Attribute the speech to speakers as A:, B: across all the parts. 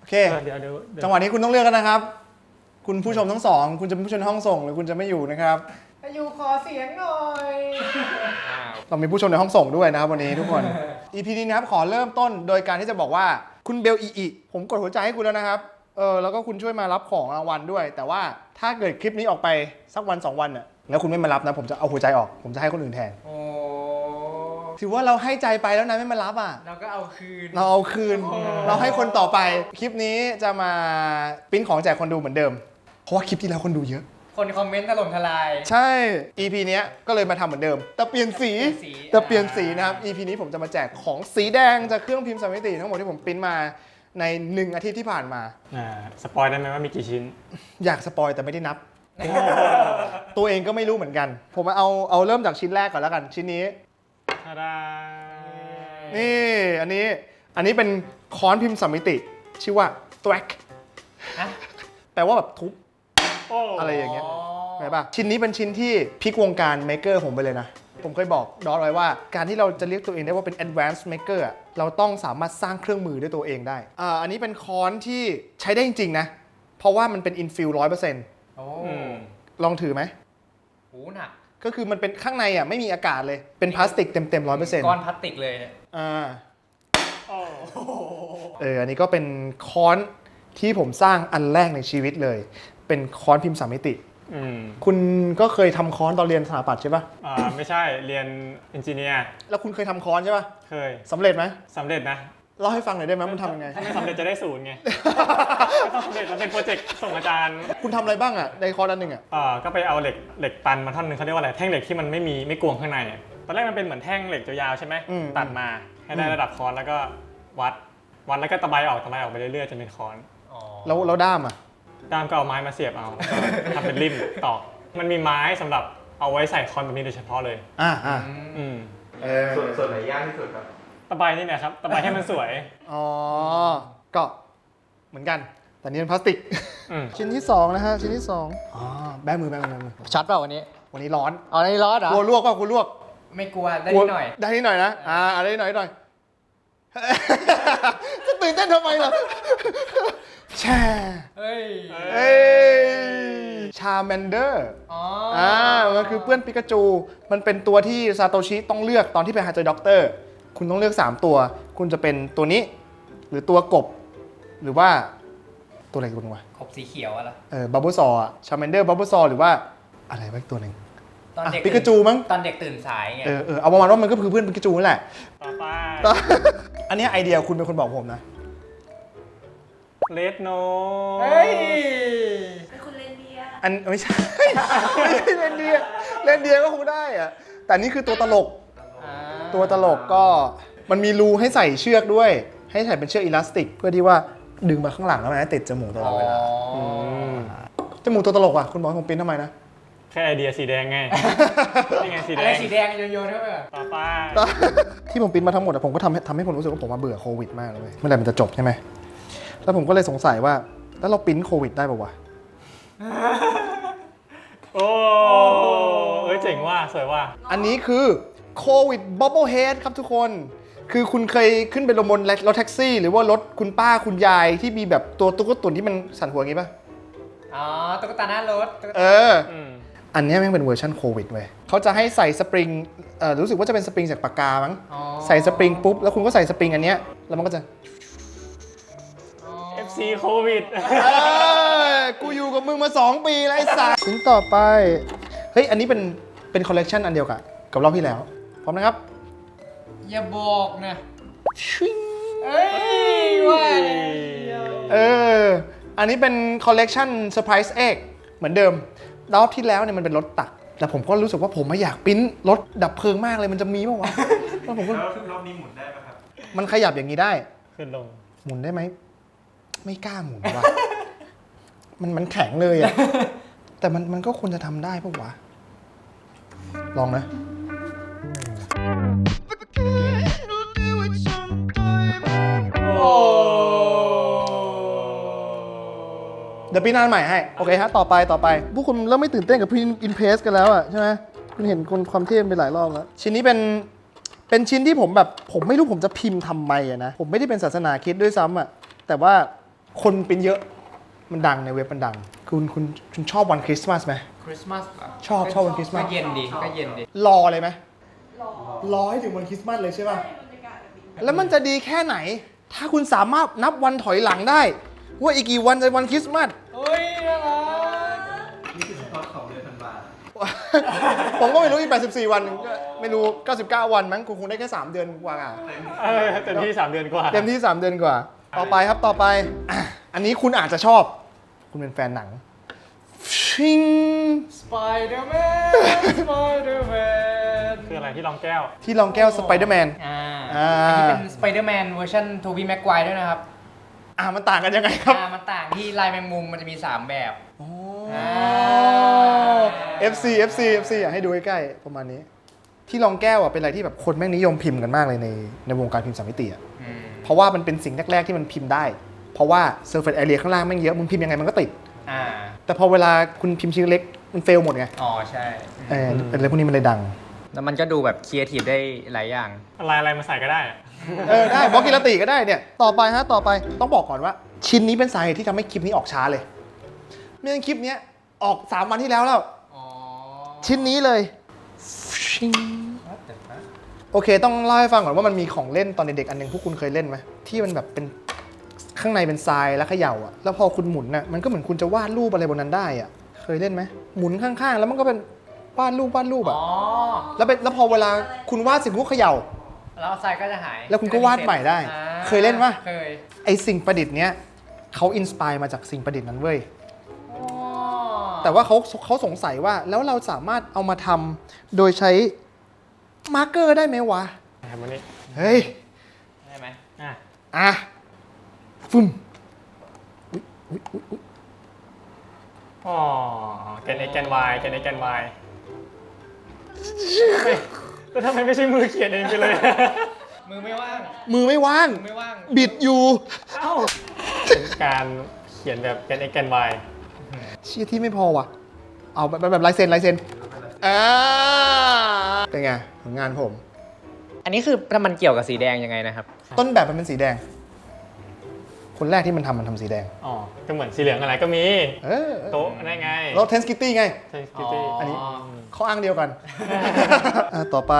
A: โอเค
B: เดี๋ยว
A: จังหวะนี้คุณต้องเลือกกันนะครับคุณผู้ชมทั้งสองคุณจะเป็นผู้ชมในห้องส่งหรือคุณจะไม่อยู่นะครับอยู่ขอเสียงหน่อยเรามีผู้ชมในห้องส่งด้วยนะครับวันนี้ทุกคน EP นี้นะครับขอเริ่มต้นโดยการที่จะบอกว่าคุณเบลอีผมกดหัวใจให้คุณแล้วนะครับแล้วก็คุณช่วยมารับของรางวัลด้วย แต่ว่าถ้าเกิดคลิปนี้ออกไปสักวัน2วันน่ะแล้วคุณไม่มารับนะผมจะเอาหัวใจออกผมจะให้คนอื่นแทนถือว่าเราให้ใจไปแล้วนะไม่มารับอ่ะ
C: เราก็เอาคืน
A: เราให้คนต่อไปคลิปนี้จะมาปริ้นของแจกคนดูเหมือนเดิมเพราะว่าคลิปที่แล้วคนดูเยอะ
C: คนคอมเมนต์ถล่มทลาย
A: ใช่ EP เนี้ยก็เลยมาทำเหมือนเดิมแต่เปลี่ยนสีนะครับ EP นี้ผมจะมาแจกของสีแดงจากเครื่องพิมพ์สามมิติทั้งหมดที่ผมปริ้นมาใน1 อาทิตย์ที่ผ่านมา
B: สปอยได้ไหมว่ามีกี่ชิ้น
A: อยากสปอยแต่ไม่ได้นับ ตัวเองก็ไม่รู้เหมือนกันผมเอาเริ่มจากชิ้นแรกก่อนแล้วกันชิ้นนี้นี่อันนี้เป็นค้อนพิมพ์สามมิติชื่อว่า Thwack แปลว่าแบบทุบอะไรอย่างเงี้ยเห็นป่ะชิ้นนี้เป็นชิ้นที่พลิกวงการเมคเกอร์ผมไปเลยนะผมเคยบอกดอทไว้ว่าการที่เราจะเรียกตัวเองได้ว่าเป็น advanced maker เราต้องสามารถสร้างเครื่องมือด้วยตัวเองได้อันนี้เป็นค้อนที่ใช้ได้จริงๆนะเพราะว่ามันเป็น infill 100%ลองถือไหม
C: โอ้หนัก
A: ก็คือมันเป็นข้างในอ่ะไม่มีอากาศเลยเป็นพลาสติกเต็ม 100%
C: ก้อนพลาสติกเลย
A: อันนี้ก็เป็นค้อนที่ผมสร้างอันแรกในชีวิตเลยเป็นค้อนพิมพ์สามมิติคุณก็เคยทำค้อนตอนเรียนสถาปัตย์ใช่ปะ
B: ไม่ใช่เรียนเอนจิเนียร์
A: แล้วคุณเคยทำค้อนใช่ปะ
B: เคย
A: สำเร็จไหม
B: สำเร็จนะ
A: เล่าให้ฟังหน่อยได้ไหมมันทำยังไง
B: ถ้าไม่สำเร็จจะได้0ไงก็ต้องสำเร็จมันเป็นโปรเจกต์ส่งอาจารย์
A: คุณทำอะไรบ้างอ่ะในค้อนอันหนึ่งอ่ะ
B: ก็ไปเอาเหล็กตันมาท่อนนึงเขาเรียกว่าอะไรแท่งเหล็กที่มันไม่กวงข้างในตอนแรกมันเป็นเหมือนแท่งเหล็กยาวๆใช่ไหมตัดมาให้ได้ระดับค้อนแล้วก็วัดแล้วก็ตะไบออกไปเรื่อยๆจนเป็นค้อน
A: แล้วด้ามอ่ะ
B: ด้ามก็เอาไม้มาเสียบเอาทำเป็นริมตอกมันมีไม้สำหรับเอาไว้ใส่คอนแบบนี้โดยเฉพาะเลย
D: ส่วนไหนยากที่สุดครับ
B: ตะไบนี่นะครับตะไบให้มันสวย
A: ก็เหมือนกันแต่นี่เป็นพลาสติกชิ้นที่2นะฮะชิ้นที่2แบมือ
C: ชัดเปล่าวัน
A: นี้ร้อน
C: อันนี้ร้อนเหรอก
A: ลัวลวกป่ะคุณลวก
C: ไม่กลัวได้นิดหน่อย
A: นะอะไรนิดหน่อยจะตื่นเต้นทำไมล่ะแช่ชาแมนเดอร์มันคือเพื่อนปิกาจูมันเป็นตัวที่ซาโตชิต้องเลือกตอนที่ไปหาเจอด็อกเตอร์คุณต้องเลือก3ตัวคุณจะเป็นตัวนี้หรือตัวกบหรือว่าตัวอะไรกันวะ
C: กบสีเขียวอะไร
A: บับเบิ้ลซอชาแมนเดอร์บับเบิ้ลซอหรือว่าอะไรวะอีกตัวหนึ่ง
C: ตอนเด็ก
A: ปิกาจูมั้ง
C: ตอนเด็กตื่นสายไง
A: เอาประมาณว่ามันก็คือเพื่อนปิกาจูนั่นแหละ
B: ต่อไป
A: อันนี้ไอเดียคุณเป็นคนบอกผมนะ
B: เลดโน
E: เป็นคุณเลนเดีย
A: อันไม่ใช่เลนเดียก็คงได้อะแต่นี่คือตัวตลกก็มันมีรูให้ใส่เชือกด้วยให้ใส่เป็นเชือกอิลาสติกเพื่อที่ว่าดึงมาข้างหลังแล้วมันจะติดจมูกตลอดเวลาจมูกตัวตลกอ่ะคุณบอกผมปิ้นทำไมนะ
B: แค่ไอเดียสีแดงไงนี่ไงสีแดง
C: อะไรสีแดงโยนเข้าไป
B: ต่อไป
A: ที่ผมปิ้นมาทั้งหมดผมก็ทำให้ผมรู้สึกว่าผมมาเบื่อโควิดมากเลยเมื่อไหร่มันจะจบใช่ไหมแล้วผมก็เลยสงสัยว่าแล้วเราปิ้นโควิดได้ป่าววะ
B: โอ้เจ๋งว่ะสวยว่ะ
A: อันนี้คือโควิดบับเบิ้ลเฮดครับทุกคนคือคุณเคยขึ้นไปลงบนรถแท็กซี่หรือว่ารถคุณป้าคุณยายที่มีแบบตัวตุ๊กตุ่นที่มันสั่นหัวอย่างงี้ป่ะ
C: ตุ๊กตาหน้ารถ
A: อันนี้แม่งเป็นเวอร์ชันโควิดเว้ยเขาจะให้ใส่สปริงรู้สึกว่าจะเป็นสปริงจากปากกามั้งใส่สปริงปุ๊บแล้วคุณก็ใส่สปริงอันเนี้ยแล้วมันก็จะ
B: FC โควิด
A: กูอยู่กับมึงมา2 ปีแล้วไอ้สัสชิ้นต่อไปเฮ้ยอันนี้เป็นคอลเลกชันอันเดียวกับรอบที่แล้วพร้อมนะครับ
C: อย่าบอกนะ
A: ชิง
C: ว่า
A: อันนี้เป็นคอลเลกชันเซอร์ไพรส์เอ็กเหมือนเดิมรอบที่แล้วเนี่ยมันเป็นรถตักแต่ผมก็รู้สึกว่าผมไม่อยากปิ้นรถดับเพลิงมากเลยมันจะมีป่าววะ
D: แล้วผมก็รอบนี้หมุนได้ไหมครับ
A: มันขยับอย่างนี้ได้
B: ขึ้นลง
A: หมุนได้ไหมไม่กล้าหมุนว่ะมันแข็งเลยอ่ะแต่มันก็ควรจะทำได้ป่ะวะลองนะเดี๋ยวปีหน้าใหม่ให้โอเคฮะต่อไปพวกคุณเริ่มไม่ตื่นเต้นกับพี่อินเพสกันแล้วอ่ะใช่ไหมคุณเห็นความเท่ไปหลายรอบแล้วชิ้นนี้เป็นชิ้นที่ผมไม่รู้ผมจะพิมพ์ทำไมอะนะผมไม่ได้เป็นศาสนาคริสต์ด้วยซ้ำอ่ะแต่ว่าคนเป็นเยอะมันดังในเว็บมันดังคุณชอบวันคริสต์มาสไหม
C: คริสต์มาส
A: ชอบวันคริสต์มาส
C: ก็เย็นดีก็เย็นดี
A: รอเลยไหมรอให้ถึงวันคริสต์มาสเลยใช่ป่ะแล้วมันจะดีแค่ไหน ถ้าคุณสามารถนับวันถอยหลังได้ ว่าอีกกี่วันจะวันคริสต์มาส
C: โอ้ยน่ารัก
D: นี่คือสปอตของเดือนธันวา
A: ผมก็ไม่รู้อีก84 วันก็ไม่รู้ 99 วันมั้งคุณคงได้แค่ 3 เดือนกว่าอ่ะ
B: เต็มที่ 3 เดือนกว่า
A: เต็มที่ 3 เดือนกว่า ต่อไปครับต่อไปอ่ะอันนี้คุณอาจจะชอบ คุณเป็นแฟนหนังชิง
C: สไปเดอร์แมนสไปเดอร์แมน
B: คืออะไรที่รองแก้ว
A: ที่รองแก้วสไปเดอร์แมน
C: อันนี้เป็นสไปเดอร์แมนเวอร์ชันโทบี้แม็กไกวร์ด้วยนะครับ
A: มันต่างกันยังไงครับ
C: มันต่างที่ลายแมงมุมมันจะมี 3 แบบ
A: FC อยากให้ดูใกล้ๆประมาณนี้ ที่รองแก้วอ่ะเป็นอะไรที่แบบคนแม่งนิยมพิมพ์กันมากเลยในวงการพิมพ์สามมิติอ่ะเพราะว่ามันเป็นสิ่งแรกๆที่มันพิมพ์ได้ เพราะว่า surface area ข้างล่างแม่งเยอะมึงพิมพ์ยังไงมันก็ติด แต่พอเวลาคุณพิมพ์ชิ้นเล็กมันเฟลหมดไง
C: อ๋อใช่
A: อะไรพวกนี้มันเลยดัง
C: แล้วมันก็ดูแบบครีเอทีฟได้หลายอย่าง
B: อะไรมาใส่ก็ได้อะ
A: ได้บล็อกกิรติก็ได้เนี่ยต่อไปต้องบอกก่อนว่า ชิ้นนี้เป็นสาเหตุที่ทำให้คลิปนี้ออกช้าเลยไม่งั้นคลิปนี้ออก3 วันที่แล้ว ชิ้นนี้เลยชิงโอเคต้องเล่าให้ฟังก่อนว่ามันมีของเล่นตอนเด็กๆอันหนึงพวกคุณเคยเล่นไหมที่มันแบบเป็นข้างในเป็นทรายแล้วเขย่าอ่ะแล้วพอคุณหมุนน่ะมันก็เหมือนคุณจะวาดรูปอะไรบนนั้นได้อ่ะเคยเล่นไหมหมุนข้างๆแล้วมันก็เป็นวาดรูปอ่ะแล้วพอเวลาคุณวาดสิ่งพวกเขย่า
C: แล้วทรายก็จะหาย
A: แล้วคุณก็วาดใหม่ได้เคยเล่นปะ
C: เคย
A: ไอสิ่งประดิษฐ์เนี้ยเขาอินสปายมาจากสิ่งประดิษฐ์นั้นเว้ยแต่ว่าเขาสงสัยว่าแล้วเราสามารถเอามาทำโดยใช้มาร์กเกอร์ได้ไหมวะ
B: ทำวันนี้
A: เฮ้ย
C: ได้ไหม
A: อ่ะฟึ่มอุ๊ย
B: อ๋อแกน x แกน y แกน x แกน y แล้วทำไมไม่ใช่มือเขียนเองไปเลย
C: มือไม่ว่าง
A: มือไม่ว่าง
C: มือไม่ว่าง
A: บิดอยู่
B: เอ้าเป็นการเขียนแบบแกน x แกน y
A: เชี่ยที่ไม่พอว่ะเอาแบบลายเซ็นเป็นไงผลงานผม
C: อันนี้คือมันเกี่ยวกับสีแดงยังไงนะครับ
A: ต้นแบบมันเป็นสีแดง คนแรกที่มันทำสีแดง
B: อ๋อ ก็เหมือนสีเหลืองอะไรก็มี โต๊ะนั่นไง
A: แล้วเทนสกิตตี้ไง
B: ใช่สกิตตี้
A: อันนี้เขาอ้างเดียวกัน ต่อไป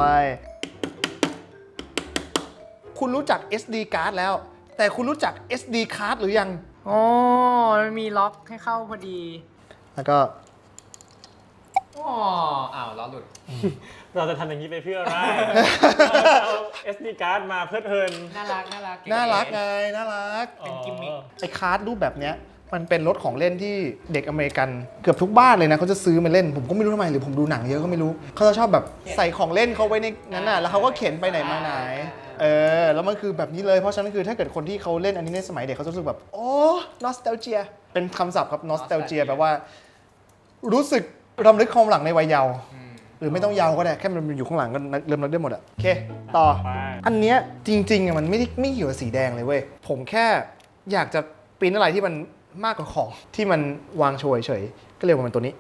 A: คุณรู้จัก SD card แล้ว แต่คุณรู้จัก SD card หรือยัง
C: อ๋อ มันมีล็อกให้เข้าพอดี
A: แล้วก็
C: อ๋อ อ้าวล้อหลุด
B: เราจะทำอย่างนี้ไปเพื่ออะไร เอา SD card มาเพื่อเพลิน
C: น่ารัก
A: น่ารักไง น่ารัก
C: เป็นกิมมิค
A: ไอ้คาร์ดรูปแบบเนี้ยมันเป็นรถของเล่นที่เด็กอเมริกันเกือบทุกบ้านเลยนะเขาจะซื้อมาเล่น ผมก็ไม่รู้ทำไมหรือผมดูหนังเยอะก็ไม่รู้เขาจะชอบแบบใส่ของเล่นเขาไว้ในนั้นน่ะแล้วเขาก็เข็นไปไหนมาไหนแล้วมันคือแบบนี้เลยเพราะฉะนั้นคือถ้าเกิดคนที่เขาเล่นอันนี้ในสมัยเด็กเขาจะรู้สึกแบบโอ้ nostalgia เป็นคำศัพท์ครับ nostalgia แปลว่ารู้สึกรำลึกความหลังในวัยเยาว์หรือไม่ต้องเยาว์ก็ได้แค่มันอยู่ข้างหลังก็เริ่มนึกได้หมดอะโอเคต่อ
B: ไป
A: อันเนี้ยจริงๆอะมันไม่เกี่ยวกับสีแดงเลยเว้ยผมแค่อยากจะปริ้นอะไรที่มันมากกว่าของที่มันวางโชว์เฉยๆก็เลยว่ามันตัวนี้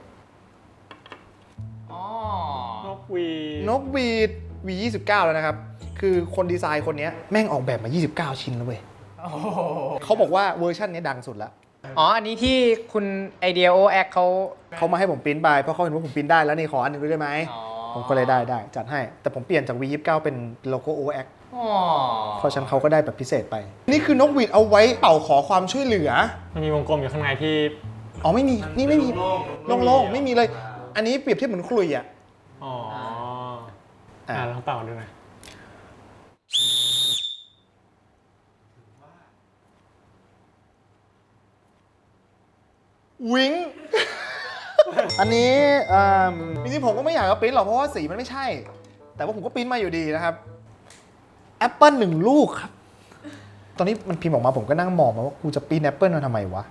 C: อ๋อ
B: นกหวี
A: นกหวีด V29 แล้วนะครับ คือคนดีไซน์คนเนี้ยแม่งออกแบบมา 29 ชิ้นแล้วเว้ย
C: โอ้โห
A: เขาบอกว่าเวอร์ชันนี้ดังสุดแล้ว
C: อ๋อ อันนี้ที่คุณไอเดียโอแอคเขา
A: เขามาให้ผมปริ้นไปเพราะเขาเห็นว่าผมปริ้นได้แล้วนี่ขออันหนึงด้วยได้ไหม
C: อ๋อ
A: ผมก็เลยได้จัดให้ แต่ผมเปลี่ยนจาก V29 เป็นโลโก้ OX
C: อ๋อ
A: เพราะฉะนั้นเขาก็ได้แบบพิเศษไป นี่คือนกหวีดเอาไว้เป่าขอความช่วยเหลือ
B: มันมีวงกลมอยู่ข้างในที่
A: อ๋อไม่มีนี่ไม่มีโล่งๆไม่มีเลย อันนี้เปรียบเทียบเหมือนขลุ่ยอ่ะ
B: อ๋อ
A: อ่ะ
B: ลองเป่าดูหน่อย
A: วิง อันนี้จริงๆผมก็ไม่อยากจะปริ้นหรอกเพราะว่าสีมันไม่ใช่ แต่ว่าผมก็ปริ้นมาอยู่ดีนะครับแอปเปิล1 ลูกครับ ตอนนี้มันพิมพ์ออกมาผมก็นั่งมองมาว่ากูจะปริ้นแอปเปิลมาทำไมวะ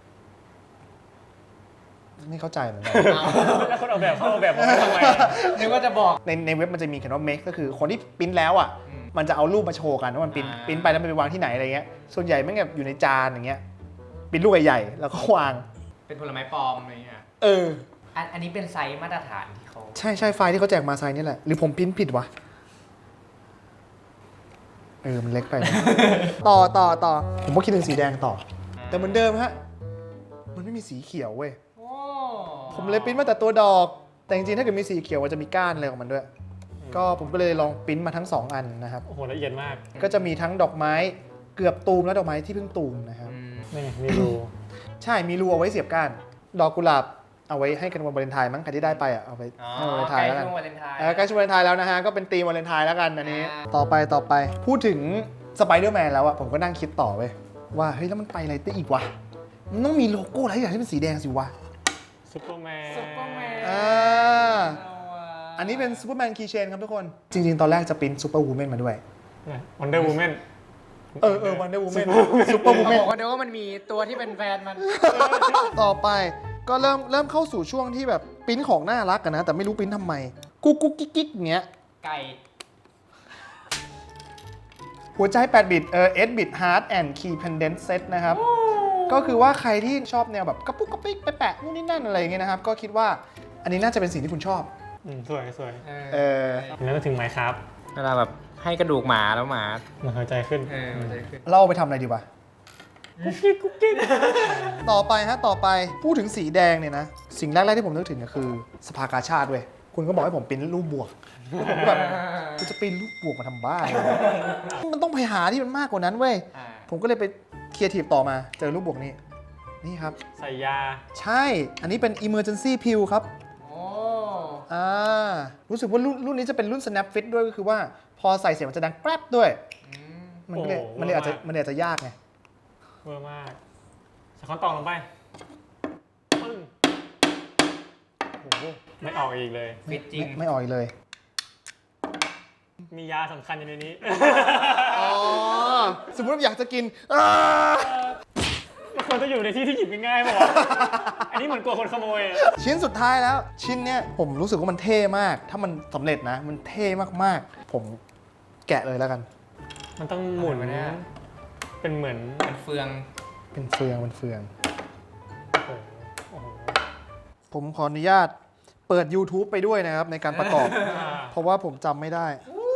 A: ไม่เข้าใจเหมือนกัน
B: แล้วคนออกแบบเขาออกแบบมาทำไม
C: นึกว่าจะบอก
A: ในเว็บมันจะมีเขียนว่า make ก็คือคนที่ปริ้นแล้วอ่ะ มันจะเอารูปมาโชว์กันว่ามันปริ้น
C: อ่า
A: ปริ้นไปแล้วมันไปวางที่ไหนอะไรเงี้ย ส่วนใหญ่แม่งแบบอยู่ในจานอย่างเงี้ยปริ้นลูกใหญ่ๆแล้วก็วาง
C: เป็นผลไม้ปลอมอะไรเงี้ย อันนี้เป็นไซส์มาตรฐานที่เขา
A: ใช่ไฟล์ที่เขาแจกมาไซส์นี่แหละ หรือผมพิมพ์ผิดวะ มันเล็กไปนะ ต่อ ผมก็คิดถึงสีแดงต่อแต่เหมือนเดิมฮะมันไม่มีสีเขียวเว้ย
C: โอ้
A: ผมเลยปริ้นมาแต่ตัวดอก แต่จริงๆถ้าเกิดมีสีเขียวมันจะมีก้านอะไรของมันด้วย ก็ผมก็เลยลองปริ้นมาทั้ง 2 อันนะครับ
B: โอ้โหละเอียดมาก
A: ก็จะมีทั้งดอกไม้เกือบตูมและดอกไม้ที่เพิ่งตูมนะครับ
B: นี่มีรู
A: ใช่มีรูเอาไว้เสียบก้าน ดอกกุหลาบเอาไว้ให้กันวันวาเลนไทน์มั้งใครที่ได้ไปอ่ะเอาไปให้วันวาเลนไทน์แล้วกัน
C: ใกล้ช่วงวาเลนไทน์
A: ใกล้ช่วงวาเลนไทน์แล้วนะฮะก็เป็นธีมวาเลนไทน์แล้วกันอันนี้ ต่อไปพูดถึงสไปเดอร์แมนแล้วอะผมก็นั่งคิดต่อเว้ยว่าเฮ้ยแล้วมันไปอะไรได้อีกวะมันต้องมีโลโก้อะไรอย่างที่เป็นสีแดงสิวะ
B: ซุปเปอร์แมน
C: ซุปเปอร์แมน
A: อันนี้เป็นซูเปอร์แมนคีย์เชนครับทุกคน จริงๆ ตอนแรกจะปริ้นซูเปอร์วูแมนมาด้วย
B: วันเดอร์วูแมน
A: วันเดอร์วูแมนซูเปอร์วูแมน
C: บอกว่าเดี๋ยวว่ามันมีตัวที่เป็นแฟนมัน
A: ต่อไปก็เริ่มเข้าสู่ช่วงที่แบบปริ้นของน่ารักกันนะ แต่ไม่รู้ปริ้นทำไม กุ๊กกิ๊กอย่างเงี้ย
C: ไก่
A: หัวใจ 8 บิตS bit Heart and Key Pendant Set นะครับ ก็คือว่าใครที่ชอบแนวแบบกระปุกกระปิกไปแปะนู่นนี่นั่นอะไรอย่างเงี้ยนะครับ ก็คิดว่าอันนี้น่าจะเป็นสิ่งที่คุณชอบ
B: สวย
A: เ
B: แล้วก็ถึงไหมครับ
C: เวลาแบบให้กระดูกหมาแล้วหมา
B: เหมือนหัวใจขึ้น
C: มันจะขึ้น
A: เราเอาไปทำอะไรดีวะ ต่อไปพูดถึงสีแดงเนี่ยนะ สิ่งแรกๆที่ผมนึกถึงก็คือสภากาชาติเว้ยคุณก็บอกให้ผมปริ้นรูปบวกผมก็แบบกูจะปริ้นรูปบวกมาทำบ้าอะไรวะมันต้องไปหาที่มันมากกว่านั้นเว้ยผมก็เลยไปครีเอทีฟต่อมาเจอรูปบวกนี้นี่ครับ
B: ใส่ยา
A: ใช่อันนี้เป็น emergency pill ครับ
C: โอ้
A: รู้สึกว่ารุ่นนี้จะเป็นรุ่น snap fit ด้วยก็คือว่าพอใส่เสียงมันจะดังแกรบด้วยมันก็เลย
B: โอ้
A: มันเลยอาจจะยากไง
B: เวอร์มากใส่ค้อนตองลงไปปึ้ง
A: โอ้โห
B: ไม่ออกอีกเลย
C: ฟิตจริง
A: ไม่อ่อยเลย
B: มียาสำคัญอยู่ในนี้
A: อ๋อ สมมติว่าอยากจะกิน
B: มันควรจะอยู่ในที่ที่หยิบง่ายๆป่ะวะ อันนี้เหมือนกลัวคนขโมยอะ
A: ชิ้นสุดท้ายแล้ว ชิ้นเนี้ยผมรู้สึกว่ามันเท่มาก ถ้ามันสำเร็จนะ มันเท่มากๆ ผมแกะเลยแล้วกัน
B: มันต้องหมุน
C: อะไรวะเนี่ย
B: เป็นเหมือน
C: เป็นเฟือง
A: เป็นเฟืองเป็นเฟือง
B: โอ้โห
A: ผมขออนุญาตเปิด YouTube ไปด้วยนะครับ ในการประกอบ เพราะว่าผมจำไม่ได้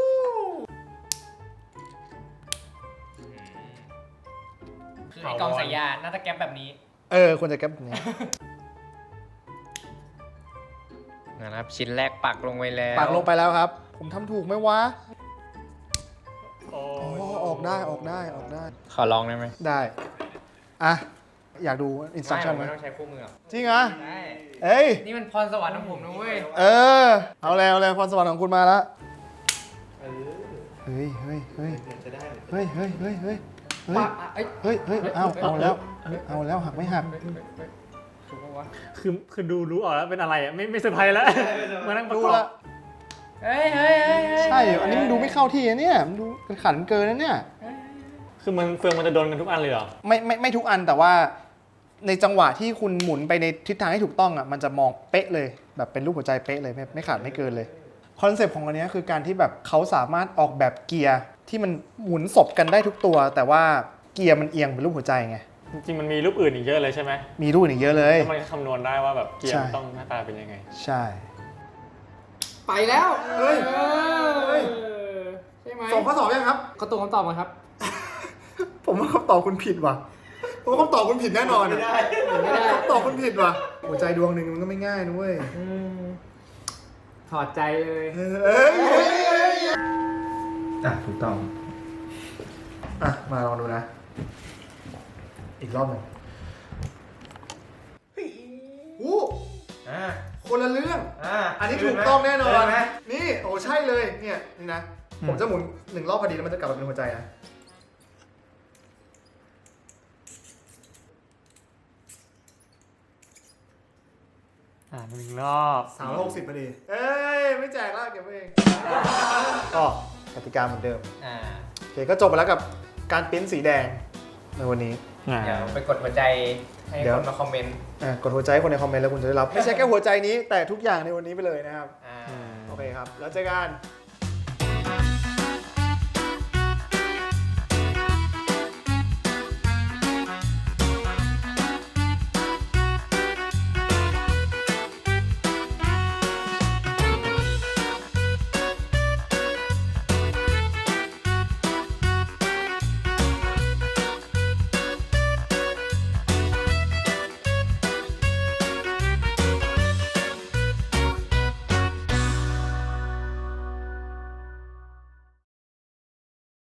C: คือไอ้กล่องสายยาน่าจะแก๊ปแบบนี้
A: ควรจะแก๊ปแบบนี้
C: นะครับชิ้นแรกปักลงไปแล้ว
A: ปากลงไปแล้วครับ ผมทำถูกไหมวะ
B: โอ้
A: อ๋อออกได้
C: ขอลองได้ไหม
A: ได้ อ่ะ อยากดูอินสต u ั t ชั่นไหม
C: ไม่ต้องใช้คู่มือหรอก
A: จริงเหรอ
C: ได้
A: เอ้ย
C: นี่มันพรสวรรค์ของผมนะเว้ย
A: เอาแล้วพรสวรรค์ของคุณมาแล้ว
D: เออ
A: เฮ้ย
D: เดี๋ยวจะได้เลย
A: เฮ้ย
C: ปะเอ้ย
A: เอาแล้วหักไม่หัก
C: ถูกปะวะ
B: คือดูรู้ออกแล้วเป็นอะไรอ่ะไม่เซอร์ไพรส์แล้วมานั่งประ
A: ดู
B: กอบ
A: ละ
C: เฮ้ย
A: ใช่เหรออันนี้มันดูไม่เข้าที่นะเนี่ยมันดูเป็นขันเกินนะเนี่ย
B: คือมันเฟืองมันจะโดนกันทุกอันเลยเหรอ
A: ไม่ทุกอันแต่ว่าในจังหวะที่คุณหมุนไปในทิศทางที่ถูกต้องอ่ะมันจะมองเป๊ะเลยแบบเป็นรูปหัวใจเป๊ะเลยไม่ขาดไม่เกินเลยคอนเซปต์ของอันเนี้ยคือการที่แบบเขาสามารถออกแบบเกียร์ที่มันหมุนศพกันได้ทุกตัว แต่ว่าเกียร์มันเอียงเป็นรูปหัวใจไง
B: จริงๆมันมีรูปอื่นอีกเยอะเลยใช่ไหม
A: มีรูปอีกเยอะเลย
B: แล้วมันก็คำนวณได้ว่าแบบเกียร์
A: ใช่
B: มันต้องหน้าตาเป็นยังไง
A: ใช่
C: ไปแล้ว
A: เฮ้ย
C: ใช่ไหม
A: ส่งข้อสอบยังครับ
C: ก็ตรงคำตอบมาครับ
A: ผมว่าคำตอบคุณผิดว่ะผมว่าคำตอบคุณผิดแน่นอน
D: ไม่ได้
C: ไม่ได้
A: คำตอบคุณผิดว่ะหัวใจดวงหนึ่งมันก็ไม่ง่ายนะเว้ย
C: ถอดใจเลย
D: ถูกต้อง
A: มาลองดูนะ อีกรอบหนึ่งโอ้ คนละเรื่อง อันนี้ถูกต้องแน่นอน นี่โอ้ใช่เลย เนี่ยนี่นะ ผมจะหมุน1 รอบพอดีแล้วมันจะกลับมาเป็นหัวใจนะ
B: 1 รอบ
A: 360พอดี เอ้ย ไม่แจกแล้วเก็บไว้เอง ก็กติกาเหมือนเดิม โอเค ก็จบไปแล้วกับการปริ้นสีแดงในวันนี้
C: เดี๋ยวไปกดหัวใจให้
A: เดี๋ยว
C: คนมาคอมเมนต์
A: กดหัวใจให้คนในคอมเมนต์แล้วคุณจะได้รับ ไม่ใช่แค่หัวใจนี้แต่ทุกอย่างในวันนี้ไปเลยนะครับ โอเคครับ แล้วเจอกัน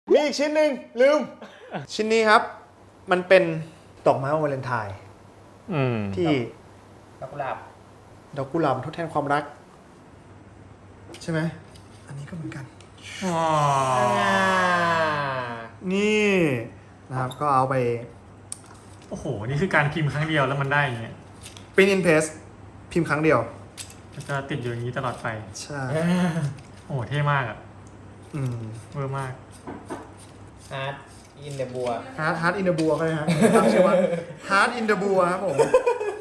A: มีอีกชิ้นหนึ่งลืม ชิ้นนี้ครับ มันเป็นดอกไม้วันวาเลนไทน์ ที่
C: ดอกกุหลาบ
A: ดอกกุหลาบทดแทนความรัก ใช่ไหม อันนี้ก็เหมือนกัน นี่นะครับก็เอาไป
B: โอ้โห นี่คือการพิมพ์ครั้งเดียวแล้วมันได้อย่างเงี้ย
A: print in paste พิมพ์ครั้งเดียว
B: มันจะติดอยู่อย่างนี้ตลอดไป
A: ใช่
B: โอ้โห เท่มากอ่ะ
A: อืม
B: เวอร์มาก
C: อาร์ตอินเดบัว
A: Heart in the Bua ก็ได้ฮะตั้งชื่อว่า Heart in the Bua ครับผม